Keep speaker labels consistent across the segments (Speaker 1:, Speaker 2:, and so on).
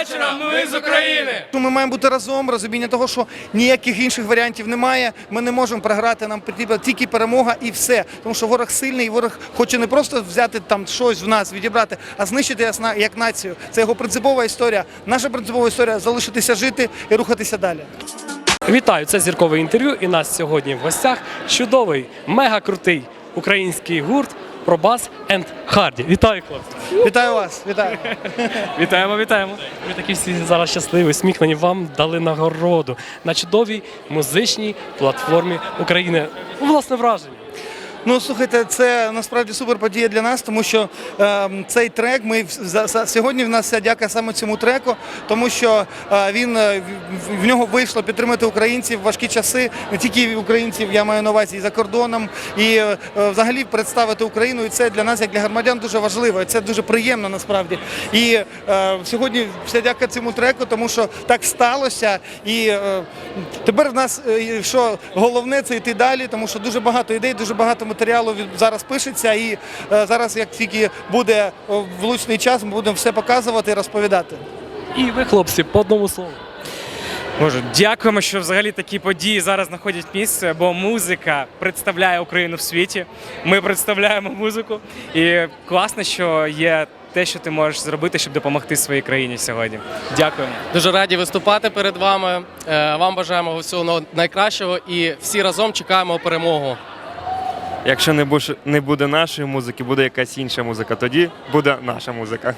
Speaker 1: вечора! Ми з України!
Speaker 2: Ми маємо бути разом, розуміння того, що ніяких інших варіантів немає. Ми не можемо програти, нам потрібна тільки перемога і все. Тому що ворог сильний, і ворог хоче не просто взяти там щось в нас, відібрати, а знищити нас як націю. Це його принципова історія. Наша принципова історія – залишитися жити і рухатися далі.
Speaker 3: Вітаю, це зіркове інтерв'ю, і нас сьогодні в гостях чудовий, мега-крутий український гурт Пробас енд Харді. Вітаю, хлопці!
Speaker 2: Вітаю вас! Вітаю!
Speaker 3: Вітаємо, вітаємо! Ви такі всі зараз щасливі, усміхнені. Вам дали нагороду на чудовій музичній платформі України. Власне враження.
Speaker 2: Ну, слухайте, це насправді супер подія для нас, тому що цей трек, сьогодні в нас вся дяка саме цьому треку, тому що в нього вийшло підтримати українців в важкі часи, не тільки українців, я маю на увазі і за кордоном, і взагалі представити Україну, і це для нас, як для громадян, дуже важливо, і це дуже приємно насправді. І сьогодні вся дяка цьому треку, тому що так сталося, і тепер в нас, що головне, це йти далі, тому що дуже багато ідей, дуже багато матеріалу зараз пишеться, і зараз, як тільки буде влучний час, ми будемо все показувати і розповідати.
Speaker 3: І ви, хлопці, по одному слову.
Speaker 1: Боже, дякуємо, що взагалі такі події зараз знаходять місце, бо музика представляє Україну в світі. Ми представляємо музику, і класно, що є те, що ти можеш зробити, щоб допомогти своїй країні сьогодні. Дякуємо.
Speaker 4: Дуже раді виступати перед вами. Вам бажаємо всього найкращого і всі разом чекаємо перемогу.
Speaker 5: Якщо не буде нашої музики, буде якась інша музика, тоді буде наша музика.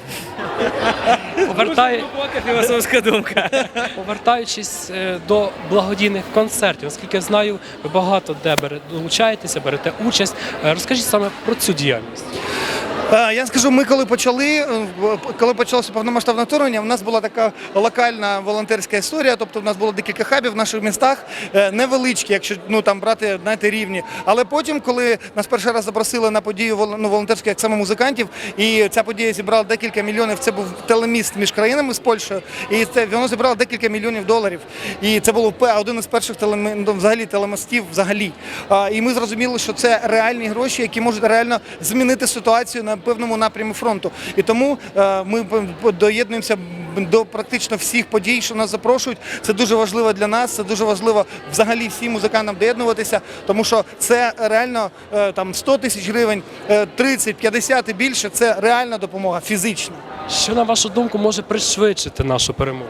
Speaker 1: Глибока філософська думка.
Speaker 3: Повертаючись до благодійних концертів, наскільки я знаю, ви багато де долучаєтеся, берете участь. Розкажіть саме про цю діяльність.
Speaker 2: Я скажу, ми коли почалося повномасштабне вторгнення, в нас була така локальна волонтерська історія, тобто в нас було декілька хабів в наших містах, невеличкі, якщо там брати, знаєте, рівні. Але потім, коли нас перший раз запросили на подію волонтерську, як саме музикантів, і ця подія зібрала декілька мільйонів, це був телеміст між країнами з Польщею, і воно зібрало декілька мільйонів доларів. І це був один із перших телемостів взагалі. І ми зрозуміли, що це реальні гроші, які можуть реально змінити ситуацію на певному напрямі фронту. І тому ми доєднуємося до практично всіх подій, що нас запрошують. Це дуже важливо для нас, це дуже важливо взагалі всім музикантам доєднуватися, тому що це реально 100 тисяч гривень, 30, 50 і більше – це реальна допомога, фізична.
Speaker 3: Що, на вашу думку, може пришвидшити нашу перемогу?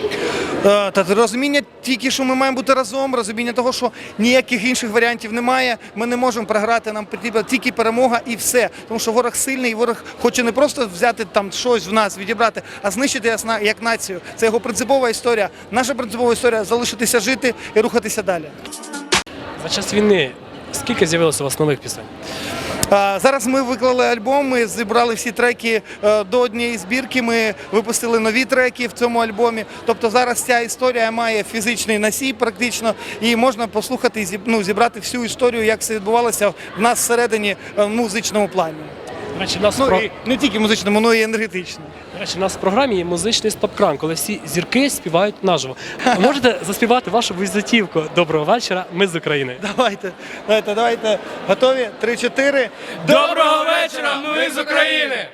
Speaker 2: Та розуміння тільки, що ми маємо бути разом, розуміння того, що ніяких інших варіантів немає, ми не можемо програти, нам потрібна тільки перемога і все. Тому що ворог сильний, і ворог хоче не просто взяти там щось в нас, відібрати, а знищити нас як націю. Це його принципова історія. Наша принципова історія – залишитися жити і рухатися далі.
Speaker 3: За час війни скільки з'явилося у вас нових пісень?
Speaker 2: Зараз ми виклали альбом, ми зібрали всі треки до однієї збірки, ми випустили нові треки в цьому альбомі. Тобто зараз ця історія має фізичний носій практично, і можна послухати, зібрати всю історію, як все відбувалося в нас всередині в музичному плані.
Speaker 3: До речі,
Speaker 2: І не тільки музичному, але й енергетичному.
Speaker 3: До речі, у нас в програмі є музичний стоп-кран, коли всі зірки співають наживо. Можете заспівати вашу візитівку «Доброго вечора, ми з України».
Speaker 2: Давайте. Готові? 3-4.
Speaker 1: Доброго вечора! Ми з України!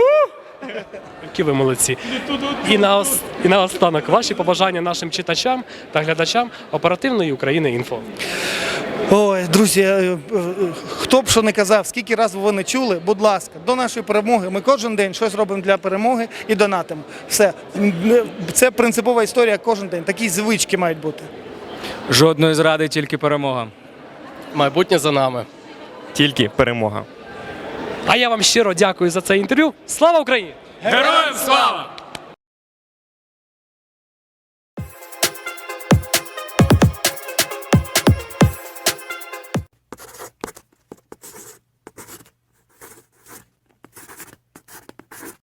Speaker 3: Які ви молодці. І наостанок ваші побажання нашим читачам та глядачам оперативної України інфо.
Speaker 2: Ой, друзі, хто б що не казав, скільки разів ви не чули, будь ласка, до нашої перемоги. Ми кожен день щось робимо для перемоги і донатимо. Все. Це принципова історія кожен день. Такі звички мають бути.
Speaker 1: Жодної зради, тільки перемога.
Speaker 4: Майбутнє за нами.
Speaker 5: Тільки перемога.
Speaker 3: А я вам щиро дякую за це інтерв'ю. Слава Україні!
Speaker 1: Героям слава!